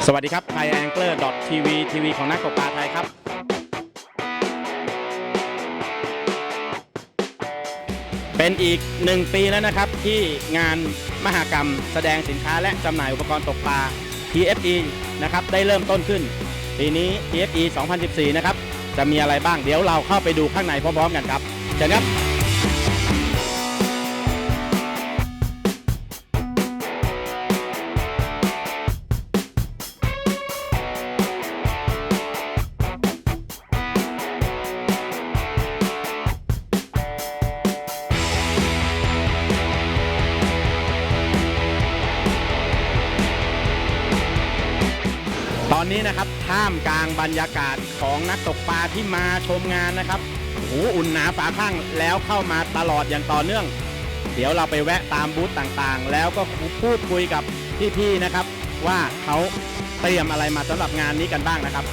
สวัสดีครับ thaiangler.tv ทีวีของนักตกปลาไทยครับเป็นอีก1 ปีแล้วนะครับที่งานมหกรรมแสดงสินค้าและจำหน่ายอุปกรณ์ตกปลา TFE นะครับได้เริ่มต้นขึ้นปีนี้ TFE 2014 นะครับจะมีอะไรบ้างเดี๋ยวเราเข้าไปดูข้างในพร้อมๆกันครับเชิญครับตอนนี้นะครับท่ามกลางบรรยากาศของนักตกปลาที่มาชมงานนะครับโอ้โหอุ่นหนาฝาข้างแล้วเข้ามาตลอดอย่างต่อเนื่องเดี๋ยวเราไปแวะตามบูธต่างๆแล้วก็พูดคุยกับพี่ๆนะครับว่าเขาเตรียมอะไรมาสำหรับงานนี้กันบ้างนะครับ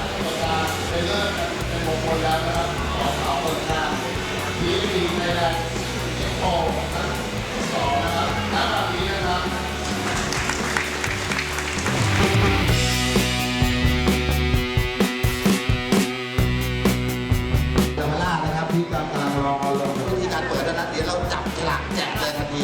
ที่กำลังรอลงวิธีการเปิดแล้วนะเดี๋ยวเราจับฉลากแจกเลยทันที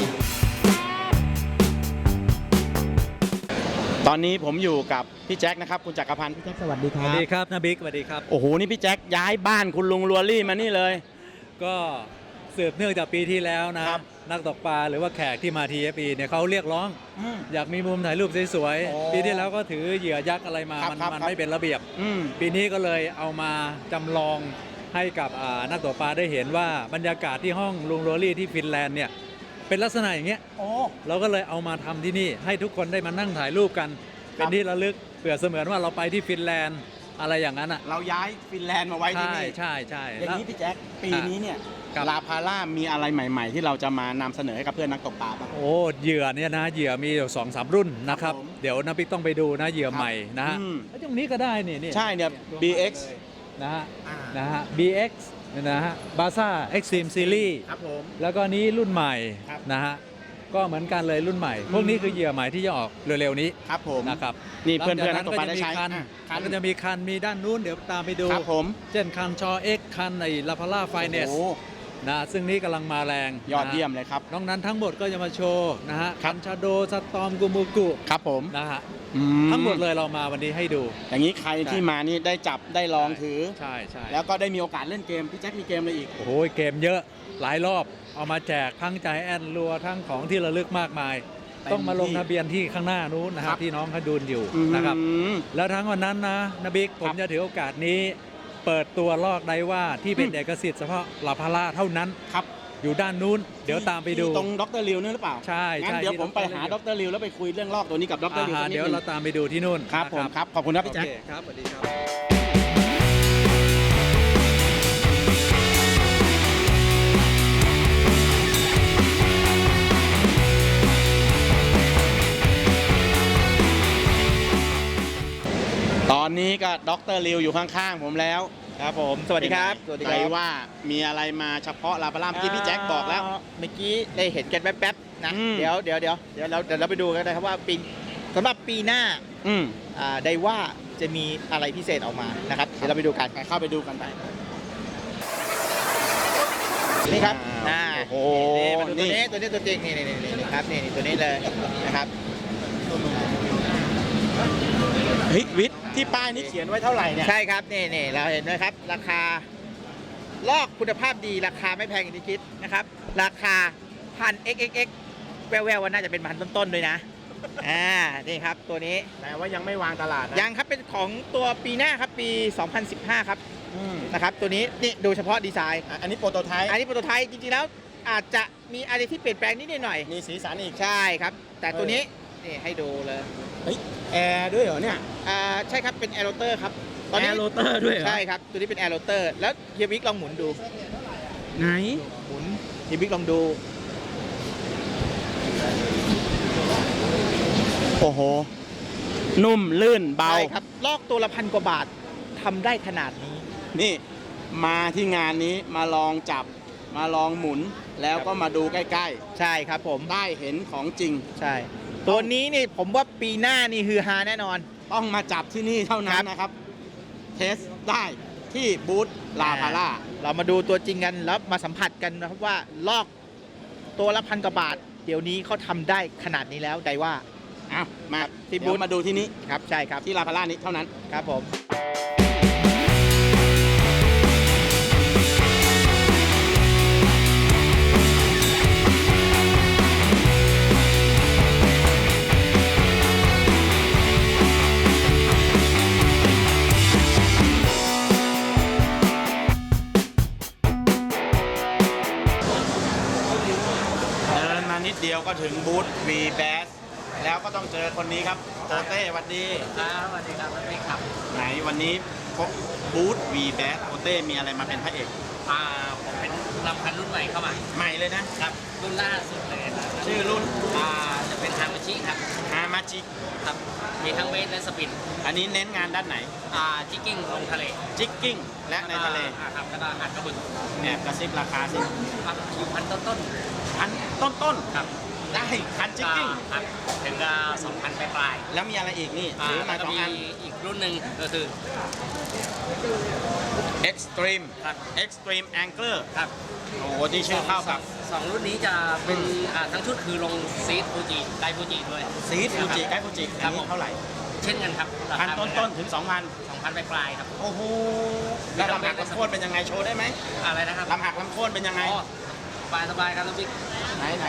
ตอนนี้ผมอยู่กับพี่แจ็คนะครับคุณจักรพันธ์พี่แจ็คสวัสดีครับสวัสดีครับนาบิ๊กสวัสดีครับโอ้โหนี่พี่แจ็คย้ายบ้านคุณลุงลัวรี่มานี่เลยก็สืบเนื่องจากปีที่แล้วนะครับนักตกปลาหรือว่าแขกที่มา TFE เนี่ยเขาเรียกร้องอยากมีมุมถ่ายรูปสวยๆปีที่แล้วก็ถือเหยื่อยักษ์อะไรมามันไม่เป็นระเบียบปีนี้ก็เลยเอามาจำลองให้กับนักตกปลาได้เห็นว่าบรรยากาศที่ห้องลุงโรลี่ที่ฟินแลนด์เนี่ยเป็นลักษณะอย่างเงี้ยเราก็เลยเอามาทำที่นี่ให้ทุกคนได้มานั่งถ่ายรูปกันเป็นที่ระลึกเปรียบเสมือนว่าเราไปที่ฟินแลนด์อะไรอย่างนั้นอ่ะเราย้ายฟินแลนด์มาไว้ที่นี่ใช่อย่างนี้พี่แจ็คปีนี้เนี่ยลาพาร่ามีอะไรใหม่ๆที่เราจะมานำเสนอให้กับเพื่อนนักตกปลาบ้างโอ้เหยื่อเนี่ยนะเหยื่อมีอยู่2-3 รุ่นนะครับเดี๋ยวน้าบิ๊กต้องไปดูนะเหยื่อใหม่นะฮะตรงนี้ก็ได้นี่ใช่เนี่ย BX นะฮะ BX นะฮะบาซ่า Extreme Series ครับผมแล้วก็นี้รุ่นใหม่นะฮะก็เหมือนกันเลยรุ่นใหม่พวกนี้คือเหยื่อใหม่ที่จะออกเร็วๆนี้ครับผมนะครับนี่เพื่อนๆนักตกปลาได้ใช้คันก็จะมีคันมีด้านนู้นเดี๋ยวตามไปดูครับผมเช่นคันชอ X คันในลาพาร่าไฟเนสนะซึ่งนี้กำลังมาแรงยอดเยี่ยมเลยครับนอกนั้นทั้งหมดก็จะมาโชว์นะฮะคันชาโดสตอมกูมูกุครับผมนะฮะทั้งหมดเลยเรามาวันนี้ให้ดูอย่างนี้ใครที่มานี่ได้จับได้ลองถือใช่แล้วก็ได้มีโอกาสเล่นเกมพี่แจ็คมีเกมอะไรอีกโอ้โหเกมเยอะหลายรอบเอามาแจกทั้งใจแอนรัวทั้งของที่ระลึกมากมายต้องมาลงทะเบียนที่ข้างหน้านู้นนะครับที่น้องเขาดูอยู่นะครับแล้วทั้งวันนั้นนะนบิ๊กผมจะถือโอกาสนี้เปิดตัวลอกไดว่าที่เป็นเอกสิทธิ์เฉพาะลาพาร่าเท่านั้นครับอยู่ด้านนู้นเดี๋ยวตามไปดูตรงดร.ริวนี่หรือเปล่าใช่งั้นเดี๋ยวผมไปหาดร.ริวแล้วไปคุยเรื่องลอกตัวนี้กับดร.ริวเดี๋ยวเราตามไปดูที่นู่นครับผมครับขอบคุณครับพี่แจ็คครับสวัสดีครับตอนนี้ก็ดร.ริวอยู่ข้างๆผมแล้วครับผมสวัสดีครับใจว่ามีอะไรมาเฉพาะลาพาร่าเมื่อกี้พี่แจ็คบอกแล้วเมื่อกี้ได้เห็นกันแป๊บๆนะเดี๋ยวเราไปดูกันนะครับว่าปีสำหรับปีหน้าได้ว่าจะมีอะไรพิเศษออกมานะครับเดี๋ยวเราไปดูกันเข้าไปดูกันไปนี่ครับโอ้นี่ตัวจริงนี่ครับนี่ตัวนี้เลยนะครับเฮ้ยวิทย์ที่ป้ายนี้เขียนไว้เท่าไหร่เนี่ยใช่ครับนี่เราเห็นไหมครับราคาลอกคุณภาพดีราคาไม่แพงอย่างที่คิดนะครับราคา1,000 แววๆว่าน่าจะเป็นพันต้นๆด้วยนะนี่ครับตัวนี้แต่ว่ายังไม่วางตลาดยังครับเป็นของตัวปีหน้าครับปี2015ครับนะครับตัวนี้นี่ดูเฉพาะดีไซน์อันนี้โปรโตไทป์จริงๆแล้วอาจจะมีอะไรที่เปลี่ยนแปลงนิดหน่อยมีสีสันอีกใช่ครับแต่ตัวนี้นี่ให้ดูเลยแอร์ด้วยเหรอเนี่ยใช่ครับเป็นแอร์โรเตอร์ครับแอร์โรเตอร์ด้วยเหรอใช่ครับตัวนี้เป็นแอร์โรเตอร์แล้วเฮียบิ๊กลองหมุนดูไหนหมุนเฮียบิ๊กลองดูโอ้โหนุ่มลื่นเบาใช่ครับลอกตัวละ1,000 กว่าบาททำได้ขนาดนี้นี่มาที่งานนี้มาลองจับมาลองหมุนแล้วก็มาดูใกล้ๆใช่ครับผมได้เห็นของจริงใช่ตัวนี้นี่ผมว่าปีหน้านี่ฮือฮาแน่นอนต้องมาจับที่นี่เท่านั้นนะครับ เทสได้ที่บูธลาพาร่าเรามาดูตัวจริงกันแล้วมาสัมผัสกันนะครับว่าลอกตัวละ1,000 กว่าบาท เดี๋ยวนี้เขาทำได้ขนาดนี้แล้วใดว่าอ้าวมาที่ที่บูบูธธมาดูที่นี้ครับใช่ครับที่ลาพาร่านี้เท่านั้นครับผมเดินมานิดเดียวก็ถึงบูธ V Bass แล้วก็ต้องเจอคนนี้ครับโตเต้สวัสดีสวัสดีครับสวัสดีครับไหนวันนี้พบบูธ V Bass โตเต้มีอะไรมาเป็นพระเอกผมเป็นลำพันรุ่นใหม่เข้ามาใหม่เลยนะครับ รุ่นล่าสุดเลยนะชื่อรุ่นจะเป็นฮามาชิครับฮามาจิครับ มีทั้งเวทและสปินอันนี้เน้นงานด้านไหนจิกกิ้งลงทะเลจิกกิ้งและในทะเลครับแล้วก็อัดกระบุนแอบกระซิบราคาสิอยู่พันต้นพันต้นๆครับๆได้พันจิกกิ้งครับถึงก็2,000ปลายแล้วมีอะไรอีกนี่ๆถือมาแล้วสก็องมีอันอีกรุ่นหนึ่งก็คือ Extreme ครับ Extreme Angler ครับโอ้โหที่ชื่อเข้ากับสองรุ่นนี้จะเป็นทั้งชุดคือลงซีดฟูจิไดฟูจิด้วยซีดฟูจิไกด์ฟูจิคอัรันบนี้เท่าไหร่เช่นกันครับพันต้นๆถึง 2,000 2,000ปลายๆครับโอ้โหแล้วลำหักลำโค่นเป็นยังไงโชว์ได้ไหมอะไรนะครับลำหักลำโค่นเป็นยังไงอ๋อสบายครับน้องบิ๊กไหน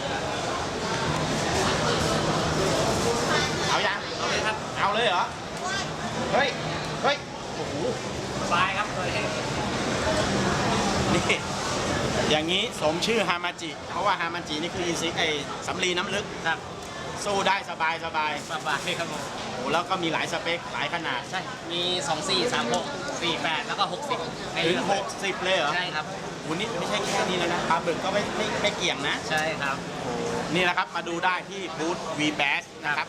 เอายังเอาเลยครับเอาเลยเหรอ เฮ้ยโอ้โหสบายครับเลยนี่อย่างนี้สมชื่อฮามาจิ เพราะว่าฮามาจินี่คืออินซิกไอสำลีน้ำลึกครับสู้ได้สบายสบายครับผมโอ้แล้วก็มีหลายสเปคหลายขนาดใช่ มี 24 36 48 แล้วก็ 60ให้ถึเลืงอก 60 เลยเหรอใช่ครับโอ้นี่ไม่ใช่แค่นี้แล้วนะปลาบึกก็ไม่เกี่ยงนะใช่ครับนี่แหละครับ มาดูได้ที่บูธ V Bass นะครับ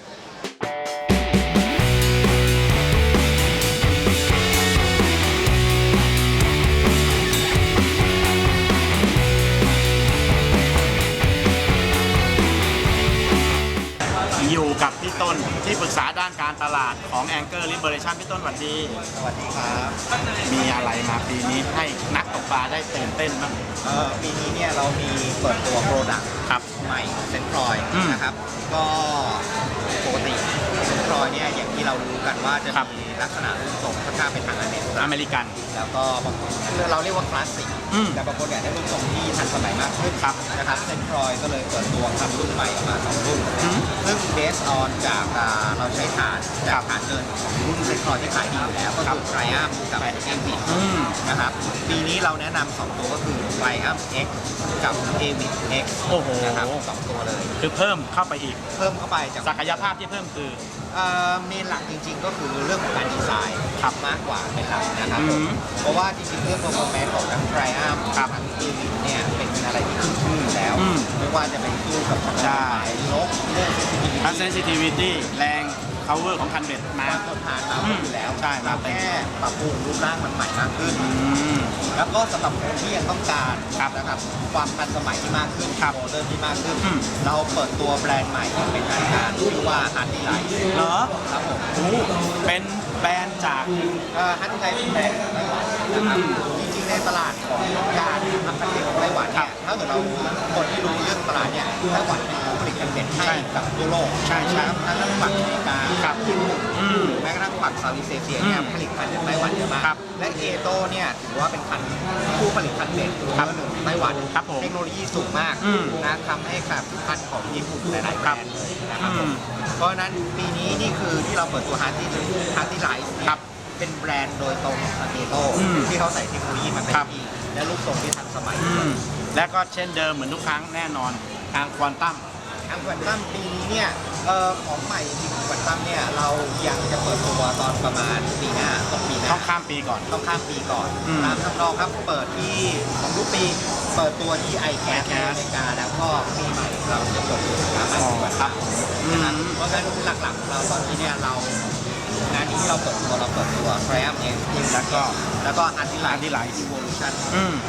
อยู่กับพี่ต้นที่ปรึกษาด้านการตลาดของ Anchor Liberation พี่ต้นสวัสดีสวัสดีครับมีอะไรมาปีนี้ให้นักตกปลาได้ตื่นเต้นบ้างปีนี้เนี่ยเรามีเปิดตัวโปรดักต์ครับใหม่เซนทรอยอืมนะครับ ก็ปกติเซนทรอยเนี่ยอย่างที่เรารู้กันว่าจะครับมีลักษณะรูปทรงค่อนข้างเป็นทางอเมริกันอเมริกันแล้วก็บางคนเราเรียกว่าคลาสสิกอืมแต่บางคนเนี่ยได้รูปทรงที่ทันสมัยมากขึ้นครับนะครับเซนทรอยก็เลยเปิดตัวทำรุ่นใหม่ออกมา2รุ่นอืมซึ่งเบสออนจากเราใช้ฐานจากฐานเดินของรุ่นเซนทรอยที่ขายดีอยู่แล้วก็คือไทรอัมกับเอวิทอืมนะครับปีนี้เราแนะนำ2ตัวก็คือไทรอัม X กับเอวิท X โอ้โหนะครับสองตัวเลยคือเพิ่มเข้าไปอีกเพิ่มเข้าไปจากศักยภาพที่เพิ่มคือเมนหลักจริงๆ ก็คือเรื่องของการดีไซน์ครับมากกว่าเป็นหลักนะครับอืมเพราะว่าจริงๆ เรื่อง performance ของทั้งไทรอัมครับทั้งเอวิทเนี่ยเป็นอะไรที่ขึ้นชื่ออยู่แล้วอืมไม่ว่าจะเป็นสู้กับใช่ลบเรื่อง sensitivity ทั้ง sensitivity แรง cover ของคันเบ็ดมามาทดทานเราอยู่แล้วใช่มาเต็มแค่ปรับปรุงรูปร่างมันใหม่มากขึ้นอืมแล้วก็สำหรับคนที่ยังต้องการครับนะครับความทันสมัยที่มากขึ้นครับโมเดิร์นที่มากขึ้นอืมเราเปิดตัวแบรนด์ใหม่อย่างเป็นทางการชื่อว่าฮันนี่ไลท์เหรอครับผมโอ้เป็นแบรนด์จากฮันนี่ไลท์เป็นแบรนด์ของไต้หวันนะครับจริงๆในตลาดของการทำคันเบ็ดของไต้หวันครัเนี่บยถ้าเกิดเราคนที่รู้เรื่องตลาดเนี่ยไต้หวันเป็นผู้ผลิตคันเบ็ดให้กับทั่วโลกใช่ใช่ทั้งฝั่งอเมริกาครับญี่ปุ่นอืมแม้กระทั่งฝั่งเซาท์อีสเอเชียเนี่ยอืมผลิตคันเบ็ดไต้หวันเยอะมากครับและเอโต้เนี่ยถือว่าเป็นคันผู้ผลิตคันเบ็ดครับเบอร์หนึ่งของไต้หวันครับผมเทคโนโลยีสูงมากอืมนะทำให้กับคันของญี่ปุ่นหลายๆแบรนด์เลยนะครับผมอืมเพราะฉะนั้นปีนี้นี่คือที่เราเปิดตัวฮาร์ตี้ไลท์ครับเป็นแบรนด์โดยตรงของเอโต้อืมที่เขาใส่เทคโนโลยีมาเต็มครับที่และรูปทรงที่ทันสมัยอืมและก็เช่นเดิมเหมือนทุกครั้งแน่นอนทางควอนตัมทางควอนตัมปีนี้เนี่ยของใหม่จริงๆควอนตัมเนี่ยเรายังจะเปิดตัวตอนประมาณปีหน้าต้นปีหน้าต้องข้ามปีก่อนต้องข้ามปีก่อนอืมตามทำนองครับเปิดที่ของทุกปีเปิดตัวที่ไอแคสในอเมริกาแล้วก็ปีใหม่เราจะเปิดตัวที่อเมริกาครับอืมเพราะฉะนั้นหลักๆของเราตอนนี้เนี่ยเรางานนี้ที่เราเปิดตัว Triumph X แล้วก็ Anti Light Anti-Light Evolution อืม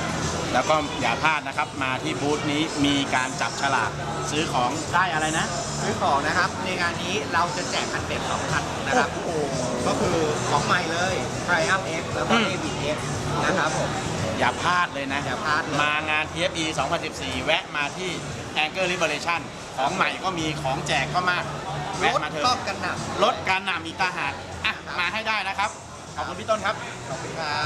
แล้วก็อย่าพลาดนะครับมาที่บูธนี้มีการจับฉลากซื้อของได้อะไรนะซื้อของนะครับในงานนี้เราจะแจกคันเป็ด2 คันนะครับก็คือของใหม่เลย Triumph X แล้วก็ Avis X นะครับผมอย่าพลาดเลยนะอย่าพลาดเลยมางาน TFE 2014 แวะมาที่ Anchor Liberation ของใหม่ก็มีของแจกก็มากรแวะถมาเถก็อะกันหนักลดการหนำอีกตาหากอ่ะมาให้ได้นะครับ ขอบคุณพี่ต้นครับขอบคุณครับ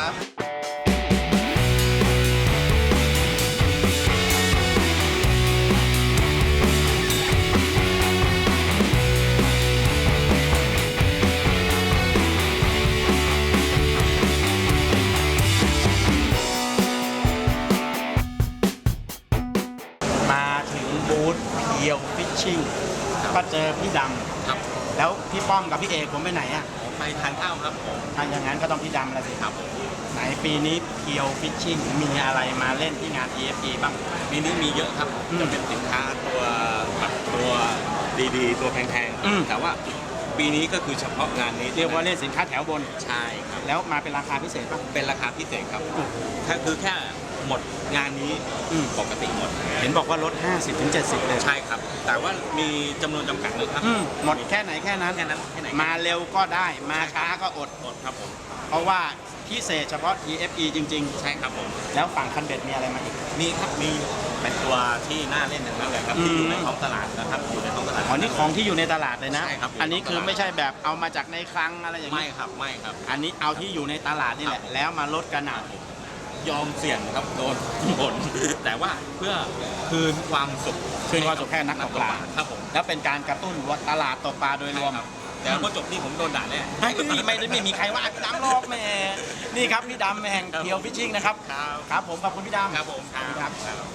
มาถึงบูธเพียวฟิชชิ่งก็เจอพี่ดครับำแล้วพี่ป้อมกับพี่เอกผมไปไหนอ่ะผมไปทานข้าวครับผมถ้าอย่างนั้นก็ต้องพี่ดำแล้วสิครับไหนปีนี้เพียวฟิชชิ่งมีอะไรมาเล่นที่งาน TFE บ้างปีนี้มีเยอะครับ จะเป็นสินค้าตัวแบบตัวดีๆ ตัวแพงอืมๆ แต่ว่าปีนี้ก็คือเฉพาะงานนี้เรียกว่าเล่นสินค้าแถวบนใช่ครับแล้วมาเป็นราคาพิเศษป่ะเป็นราคาพิเศษครับถ้าคือแค่หมดงานนี้อืมปกติหมดเห็นบอกว่าลด 50-70 เลยใช่ครับ แต่ว่ามีจำนวนจำกัดเลยครับหมดแค่ไหนแค่นั้นแค่นั้นแค่ไหนมาเร็วก็ได้ มาช้าก็อดหมดครับผมเพราะว่าพิเศษเฉพาะ TFE จริงใช่ครับผมๆ แล้วฝั่งคันเบ็ดมีอะไรมาอีกมีครับ มีเป็นตัวที่น่าเล่นอย่างนั้นเลยครับอืมที่อยู่ในท้องตลาดนะครับ อยู่ในท้องตลาดอ๋อนี่ของที่อยู่ในตลาดเลยนะใช่ครับอันนี้คือไม่ใช่แบบเอามาจากในคลังอะไรอย่างไม่นี้ครับ ไม่ครับอันนี้เอาที่อยู่ในตลาดนี่แหละ แล้วมาลดกันหนักยอมเสี่ยงครับโดนผล แต่ว่าเพื่อคืนความสุขคืนความสุขให้นักตกปลาครับผมแล้วเป็นการกระตุ้นตลาดตกปลาโดยรวมใช่ครับแต่พอจบนี่ผมโดนด่าแน่ไม่มีใครว่าพี่ดำหรอกแหม่นี่ครับพี่ดำแห่งครับเพียวฟิชชิ่งนะครับครับครับผมขอบคุณพี่ดำครับผมครับ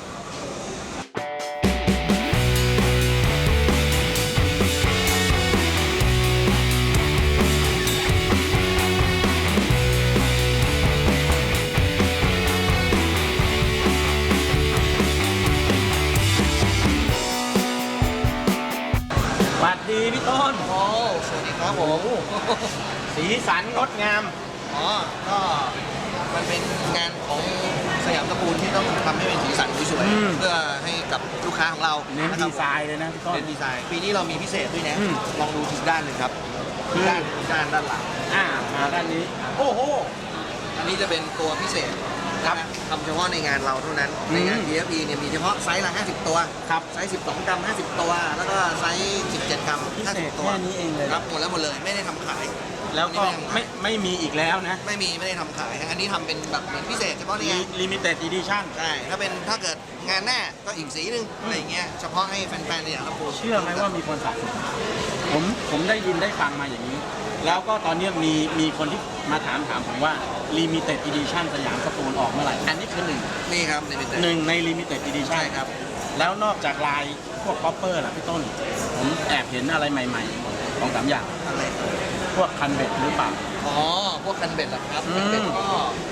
สวัสดีพี่ต้นโอ้สวัสดีครับผมสีสันงดงามอ๋อ ก็มันเป็นงานของสยามตระกูลที่ต้องทำให้เป็นสีสันสวยอืมๆเพื่อให้กับลูกค้าของเราเน้นนะคดีรับไซน์เลยนะพี่ต้นเน้นดีไซน์ ปีนี้เรามีพิเศษด้วยนะอืมลองดูทุกด้านเลยครับคือด้านหลังมาด้านนี้ โอ้โหอันนี้จะเป็นตัวพิเศษครับทำเฉพาะในงานเราเท่านั้นอืมในงาน TFE เนี่ยมีเฉพาะไซส์ละ 50 ตัวครับไซส์ 12 กรัม 50 ตัว แล้วก็ไซส์ 17 กรัมพิเศษ 50 ตัวแค่นี้เองเลยครับหมดแล้วหมดเลย ไม่ได้ทำขายแล้วก็อันนี้ไม่มีอีกแล้วนะไม่ได้ทำขายฮะอันนี้ทำเป็นแบบเหมือนพิเศษเฉพาะในงาน Limited Edition ใช่ ถ้าเกิดงานหน้าก็อีกสีหนึ่งอะไรอย่างเงี้ย เฉพาะให้แฟนๆในอย่างละปูเชื่อไหมว่ามีคนสะสมผมได้ยินได้ฟังมาอย่างนี้ แล้วก็ตอนนี้มีคนที่มาถามผมว่า Limited Edition สยามสตูลออกเมื่อไหร่ อันนี้คือหนึ่งนี่ครับในเป็นหนึ่งใน Limited Edition ใช่ครับแล้วนอกจากลายพวก copper ล่ะพี่ต้น ผมแอบเห็นอะไรใหม่ๆสองสามอย่างอะไรพวกคันเบ็ดหรือเปล่าอ๋อ พวกคันเบ็ดเหรอครับอืมคันเบ็ดก็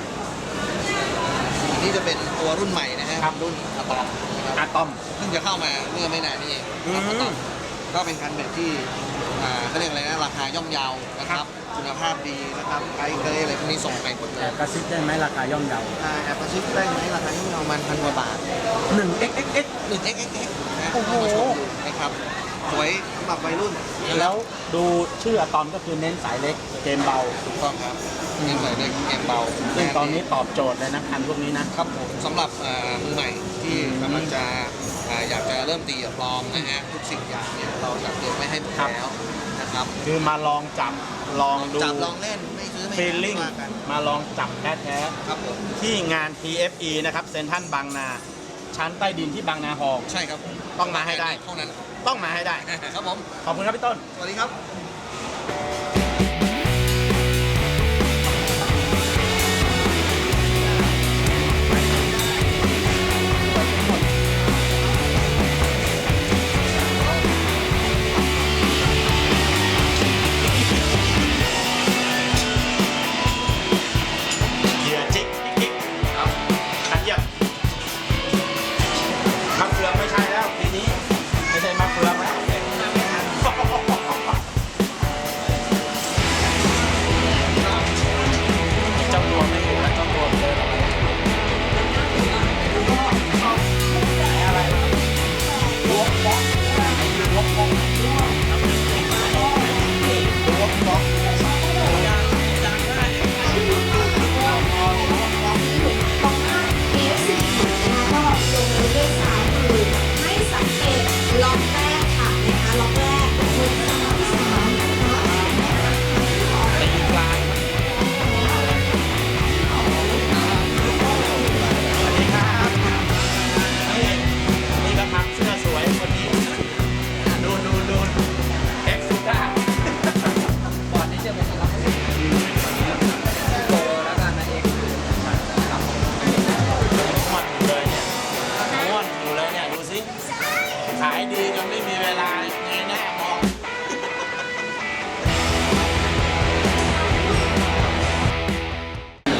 อันนี้จะเป็นตัวรุ่นใหม่นะฮะครับรุ่นอะตอมนะครับอะตอมเพิ่งจะเข้ามาเมื่อไม่นานนี้เองอืมอะตอมก็เป็นคันเบ็ดที่เขาเรียกอะไรนะราคาย่อมเยาวนะครับ คุณภาพดีนะครับไกด์เกรย์อะไรพวกนี้ส่งไปหมดเลแอย บกระซิบได้ไหมราคาย่อมเยาแอบกระซิบได้ไหมราคาย่อมเยาวมัน1,000 กว่าบาท 1xxx 1xxx นะโอ้โหมาชมดูนะครับสวยสำหรับวัยรุ่นแล้วดูชื่ออะตอมก็คือเน้นสายเล็กเกมเบาถูกต้องครับนี่ใส่เล็กเกมเบาซึ่งตอนนี้ตอบโจทย์เลยนะคันพวกนี้นะครับผมสำหรับมือใหม่ที่กำลังจะอยากจะเริ่มตีกับปลอมนะฮะทุกสิ่งอย่างเนี่ยเราจัดเตรียมไว้ให้หมดแล้วนะครับคือมาลองจับลองดูจับลองเล่นไม่ซื้อไม่ฟีลขายลิ่งว่ากันมาลองจับแท้ครับผมๆที่งาน TFE นะครับเซ็นทรัลบางนา ชั้นใต้ดินที่บางนาฮอลล์ใช่ครับผมต้องมาให้ได้เท่านั้นต้องมาให้ได้ครับผมขอบคุณครับพี่ต้นสวัสดีครับเหยื่อจิกกิ๊กครับอันเยี่ยมมะเฟืองไม่ใช่แล้วทีนี้ไม่ใช่มะเฟืองแล้ว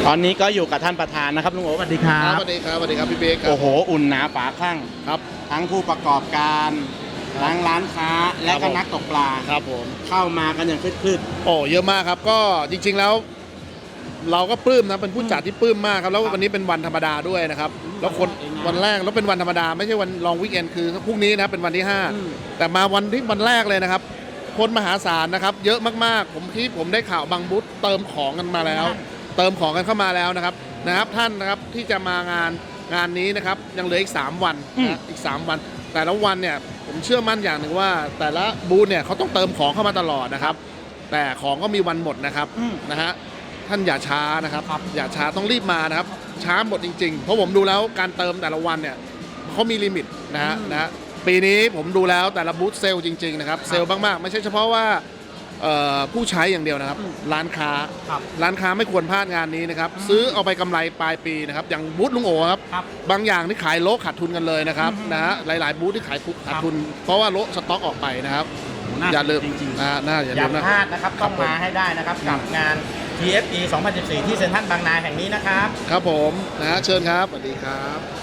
ตอนนี้ก็อยู่กับท่านประธานนะครับลุงโอ๋สวัสดีครัครับบสวัสดีครับสวัสดีครับพี่เบคครับโอ้โห อุ่นหนาฝาข้างครับทั้งผู้ประกอบการทั้งร้านค้าและก็นักตกปลาครับผมเข้ามากันอย่างคลืดโอ้เยอะมากครับก็จริงๆแล้ว เราก็ปลื้มนะเป็นผู้จัดที่ปลื้มมากครับแล้ววันนี้เป็นวันธรรมดาด้วยนะครับแล้วคนวันแรกแล้วเป็นวันธรรมดาไม่ใช่วันลองวีคเอนคือพรุ่งนี้นะครับเป็นวันที่ 5 แต่มาวันแรกเลยนะครับคนมหาศาลนะครับเยอะมากๆผมได้ข่าวบางบูธเติมของกันมาแล้ว เติมของกันเข้ามาแล้วนะครับท่านนะครับที่จะมางานนี้นะครับยังเหลืออีก3วันนะอีก3วันแต่ละวันเนี่ยผมเชื่อมั่นอย่างหนึ่งว่าแต่ละบูธเนี่ยเขาต้องเติมของเข้ามาตลอดนะครับแต่ของก็มีวันหมดนะครับนะฮะท่านอย่าช้านะครับอย่าช้าต้องรีบมานะครับช้าหมดจริงๆเพราะผมดูแล้วการเติมแต่ละวันเนี่ยเขามีลิมิตนะฮะปีนี้ผมดูแล้วแต่ละบูธเซลล์จริงๆนะครับเซลล์มากๆไม่ใช่เฉพาะว่าผู้ใช้อย่างเดียวนะครับร้านค้าไม่ควรพลาดงานนี้นะครับซื้อเอาไปกำไรปลายปีนะครับอย่างบูธลุงโอครับบางอย่างที่ขายโลขาดทุนกันเลยนะครับนะฮะหลายๆบูธที่ขายขาดทุนเพราะว่าโลสต็อกออกไปนะครับๆอย่าลืมจริงๆอย่าอย่าลืมนะพลาดนะครับต้องมาให้ได้นะครับกับงาน TFE 2014 ที่เซ็นทรัลบางนาแห่งนี้นะครับครับผมนะฮะเชิญครับสวัสดีครับ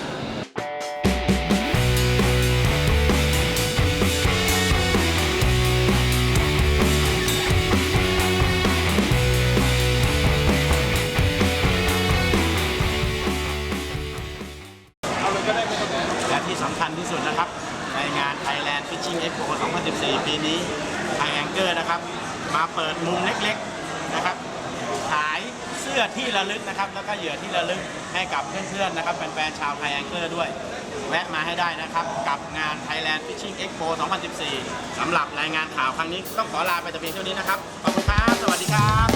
และที่สำคัญที่สุดนะครับในงาน Thailand Fishing Expo 2014 ปีนี้ไทยแองเกอร์นะครับมาเปิดมุมเล็กๆนะครับขายเสื้อที่ระลึกนะครับแล้วก็เหยื่อที่ระลึกให้กับเพื่อนๆนะครับแฟนๆชาวไทยแองเกอร์ด้วยแวะมาให้ได้นะครับกับงาน Thailand Fishing Expo 2014 สำหรับรายงานข่าวครั้งนี้ต้องขอลาไปแต่เพียงเท่านี้นะครับขอบคุณครับสวัสดีครับ